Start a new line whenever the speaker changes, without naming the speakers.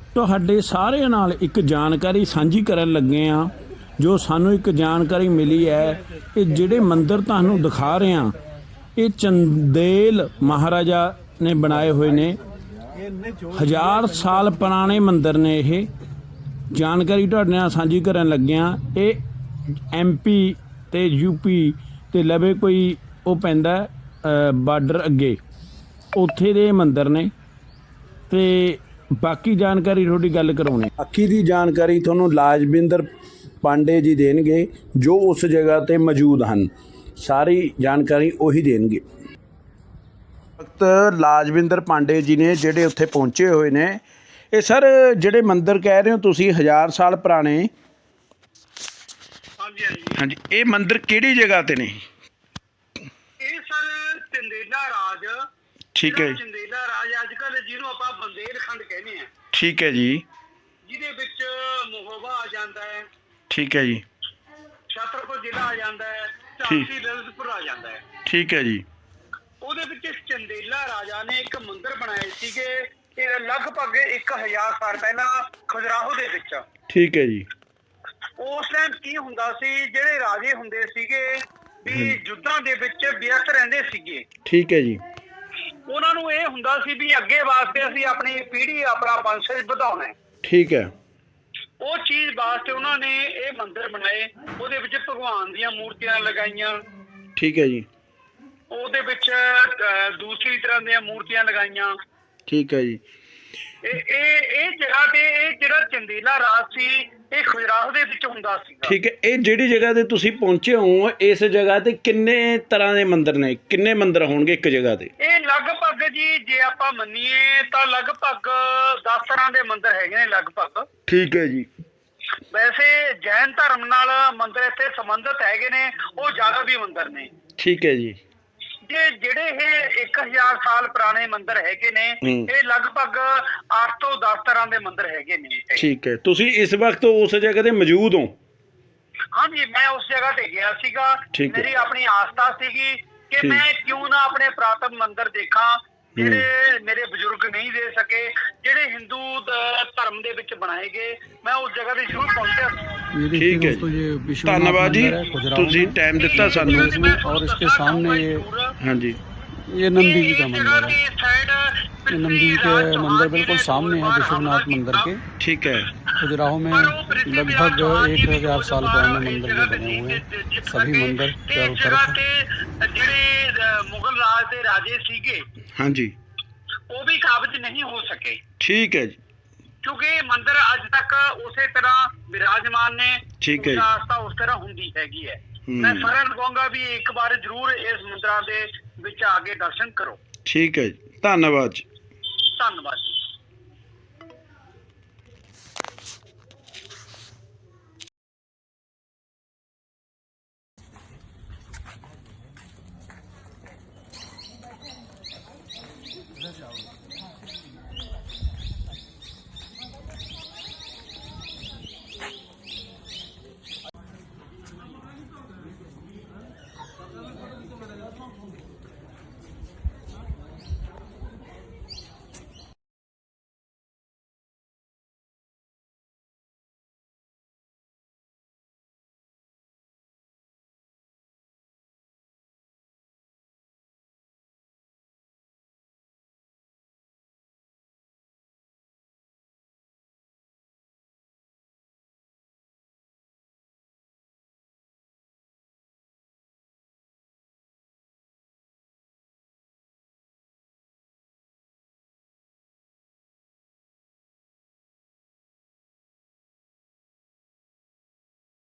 ਤੁਹਾਡੇ ਸਾਰਿਆਂ ਨਾਲ ਇੱਕ ਜਾਣਕਾਰੀ ਸਾਂਝੀ ਕਰਨ ਲੱਗੇ ਹਾਂ। ਜੋ ਸਾਨੂੰ ਇੱਕ ਜਾਣਕਾਰੀ ਮਿਲੀ ਹੈ ਕਿ ਜਿਹੜੇ ਮੰਦਿਰ ਤੁਹਾਨੂੰ ਦਿਖਾ ਰਹੇ ਹਾਂ ਇਹ ਚੰਦੇਲ ਮਹਾਰਾਜਾ ਨੇ ਬਣਾਏ ਹੋਏ ਨੇ। 1000 ਸਾਲ ਪੁਰਾਣੇ ਮੰਦਿਰ ਨੇ। ਇਹ ਜਾਣਕਾਰੀ ਤੁਹਾਡੇ ਨਾਲ ਸਾਂਝੀ ਕਰਨ ਲੱਗੇ ਹਾਂ। ਇਹ MP ਤੇ UP ਤੇ ਲਵੇ ਕੋਈ ਉਹ ਪੈਂਦਾ ਬਾਰਡਰ ਅੱਗੇ, ਉੱਥੇ ਦੇ ਮੰਦਿਰ ਨੇ। ਤੇ ਬਾਕੀ ਜਾਣਕਾਰੀ ਤੁਹਾਡੀ ਗੱਲ ਕਰਾਉਣੀ, ਬਾਕੀ ਦੀ ਜਾਣਕਾਰੀ ਤੁਹਾਨੂੰ ਲਾਜਵਿੰਦਰ ਪਾਂਡੇ ਜੀ ਦੇਣਗੇ ਜੋ ਉਸ ਜਗ੍ਹਾ ਤੇ ਮੌਜੂਦ ਹਨ। ਸਾਰੀ ਜਾਣਕਾਰੀ ਉਹੀ ਦੇਣਗੇ। ਵਕਤ ਲਾਜਵਿੰਦਰ ਪਾਂਡੇ ਜੀ ਨੇ ਜਿਹੜੇ ਉੱਥੇ ਪਹੁੰਚੇ ਹੋਏ ਨੇ। ਇਹ ਸਰ ਜਿਹੜੇ ਮੰਦਿਰ ਕਹਿ ਰਹੇ ਹੋ ਤੁਸੀਂ 1000 ਸਾਲ ਪੁਰਾਣੇ,
ਹਾਂਜੀ ਹਾਂਜੀ
ਹਾਂਜੀ, ਇਹ ਮੰਦਿਰ ਕਿਹੜੀ ਜਗ੍ਹਾ ਤੇ ਨੇ?
ਇਹ ਸਰ ਚੰਦੇਲਾ ਰਾਜ।
ਠੀਕ ਹੈ ਜੀ,
ਚੰਦੇਲਾ ਰਾਜ ਅੱਜ ਕੱਲ੍ਹ ਜਿਹਨੂੰ ਆਪਾਂ ਬੰਦੇਲਖੰਡ ਕਹਿੰਦੇ ਆ।
ਠੀਕ ਹੈ ਜੀ,
ਜਿਹਦੇ ਵਿੱਚ ਮੋਹੋਬਾ ਆ ਜਾਂਦਾ ਹੈ,
ਠੀਕ ਹੈ ਜੀ,
ਛਤਰਪੁਰ ਜ਼ਿਲ੍ਹਾ ਆ ਜਾਂਦਾ ਹੈ, ਝਾਂਸੀ ਲਲਿਤਪੁਰ ਆ ਜਾਂਦਾ ਹੈ।
ਠੀਕ ਹੈ ਜੀ।
ਉਹਦੇ ਵਿੱਚ ਚੰਦੇਲਾ ਰਾਜਾ ਨੇ ਇੱਕ ਮੰਦਿਰ ਬਣਾਏ ਸੀਗੇ। ਇਹ ਲਗਭਗ 1000 ਸਾਲ ਪਹਿਲਾਂ ਖਜੁਰਾਹੋ ਦੇ ਵਿੱਚ।
ਠੀਕ ਹੈ ਜੀ।
ਉਸ ਟਾਈਮ ਕੀ ਹੁੰਦਾ ਸੀ, ਜਿਹੜੇ ਰਾਜੇ ਹੁੰਦੇ ਸੀਗੇ ਵੀ ਯੁੱਧਾਂ ਦੇ ਵਿੱਚ ਵਿਅਸਤ ਰਹਿੰਦੇ ਸੀਗੇ।
ਠੀਕ ਹੈ ਜੀ।
ਉਹਨਾਂ ਨੂੰ ਇਹ ਹੁੰਦਾ ਸੀ ਵੀ ਅੱਗੇ ਵਾਸਤੇ ਅਸੀਂ ਆਪਣੀ ਪੀੜ੍ਹੀ ਆਪਣਾ ਵੰਸ਼ਜ ਵਧਾਉਣਾ ਹੈ।
ਠੀਕ ਹੈ।
ਉਹ ਚੀਜ਼ ਵਾਸਤੇ ਉਹਨਾਂ ਨੇ ਇਹ ਮੰਦਿਰ ਬਣਾਏ। ਉਹਦੇ ਵਿੱਚ ਭਗਵਾਨ ਦੀਆਂ ਮੂਰਤੀਆਂ ਲਗਾਈਆਂ।
ਠੀਕ ਹੈ ਜੀ।
ਉਹਦੇ ਵਿੱਚ ਦੂਸਰੀ ਤਰ੍ਹਾਂ ਦੀਆਂ ਮੂਰਤੀਆਂ ਲਗਾਈਆਂ।
ਠੀਕ ਹੈ ਜੀ।
ਇਹ ਜਗ੍ਹਾ ਤੇ ਇਹ ਜਿਹੜਾ ਚੰਦੇਲਾ ਰਾਜ ਸੀ ਇਹ ਖਜੁਰਾਹੋ ਦੇ ਵਿੱਚ ਹੁੰਦਾ ਸੀ।
ਠੀਕ ਹੈ। ਇਹ ਜਿਹੜੀ ਜਗ੍ਹਾ ਤੇ ਤੁਸੀਂ ਪਹੁੰਚੇ ਹੋ, ਇਸ ਜਗ੍ਹਾ ਤੇ ਕਿੰਨੇ ਤਰ੍ਹਾਂ ਦੇ ਮੰਦਿਰ ਨੇ? ਕਿੰਨੇ ਮੰਦਿਰ ਹੋਣਗੇ ਇੱਕ ਜਗ੍ਹਾ ਤੇ?
ਇਹ ਲਗਭਗ ਜੀ ਜੇ ਆਪਾਂ ਮੰਨੀਏ ਤਾਂ ਲਗਭਗ 10 ਤਰ੍ਹਾਂ ਦੇ ਮੰਦਿਰ ਹੈਗੇ ਨੇ ਲਗਭਗ।
ਠੀਕ ਹੈ ਜੀ।
ਵੈਸੇ ਜੈਨ ਧਰਮ ਨਾਲ ਮੰਦਿਰ ਇੱਥੇ ਸੰਬੰਧਿਤ ਹੈਗੇ ਨੇ, ਉਹ ਜ਼ਿਆਦਾ ਵੀ ਮੰਦਿਰ ਨੇ।
ਠੀਕ ਹੈ ਜੀ।
ਜਿਹੜੇ ਇਹ 1000 ਸਾਲ ਪੁਰਾਣੇ ਮੰਦਿਰ ਹੈਗੇ ਨੇ ਇਹ ਲਗਭਗ 8 ਤੋਂ 10 ਤਰ੍ਹਾਂ ਦੇ ਮੰਦਿਰ ਹੈਗੇ ਨੇ।
ਠੀਕ ਹੈ। ਤੁਸੀਂ ਇਸ ਵਕਤ ਉਸ ਜਗ੍ਹਾ ਤੇ ਮੌਜੂਦ ਹੋ?
ਹਾਂਜੀ, ਮੈਂ ਉਸ ਜਗ੍ਹਾ ਤੇ ਗਿਆ ਸੀਗਾ। ਮੇਰੀ ਆਪਣੀ ਆਸਥਾ ਸੀਗੀ ਕਿ ਮੈਂ ਕਿਉਂ ਨਾ ਆਪਣੇ ਪੁਰਾਤਨ ਮੰਦਿਰ ਦੇਖਾਂ ਜਿਹੜੇ ਮੇਰੇ ਬਜ਼ੁਰਗ ਨਹੀਂ ਦੇ ਸਕੇ, ਜਿਹੜੇ ਹਿੰਦੂ ਧਰਮ ਦੇ ਵਿੱਚ ਬਣਾਏ ਗਏ। ਮੈਂ ਉਸ ਜਗ੍ਹਾ ਤੇ ਜ਼ਰੂਰ ਪਹੁੰਚਿਆ।
ठीक है, धन्यवाद जी, तुझे टाइम दिता सानू।
और इसके सामने ये,
हाँ जी,
ये नंदी जी का मंदिर है। ये नंदी जी के मंदिर बिल्कुल सामने है विश्वनाथ मंदिर के।
ठीक है।
खजुराहो में लगभग 1000 साल पुराने मंदिर जो बने हुए हैं, सभी मंदिर चारों तरफ।
ਜਿਹੜੇ ਮੁਗਲ ਰਾਜ ਦੇ ਰਾਜੇ ਸੀਗੇ,
हाँ जी,
ਉਹ ਵੀ ਕਾਬਜ ਨਹੀਂ ਹੋ ਸਕੇ।
ठीक है जी।
ਕਿਉਂਕਿ ਮੰਦਿਰ ਅੱਜ ਤੱਕ ਉਸੇ ਤਰ੍ਹਾਂ ਵਿਰਾਜਮਾਨ ਨੇ।
ਠੀਕ ਹੈ ਜੀ।
ਆਸਥਾ ਉਸ ਤਰ੍ਹਾਂ ਹੁੰਦੀ ਹੈਗੀ ਹੈ। ਮੈਂ ਸਾਰਿਆਂ ਨੂੰ ਕਹਾਂਗਾ ਵੀ ਇੱਕ ਵਾਰ ਜ਼ਰੂਰ ਇਸ ਮੰਦਿਰਾਂ ਦੇ ਵਿੱਚ ਆ ਕੇ ਦਰਸ਼ਨ ਕਰੋ।
ठीक है जी, धन्यवाद जी।
ਧੰਨਵਾਦ।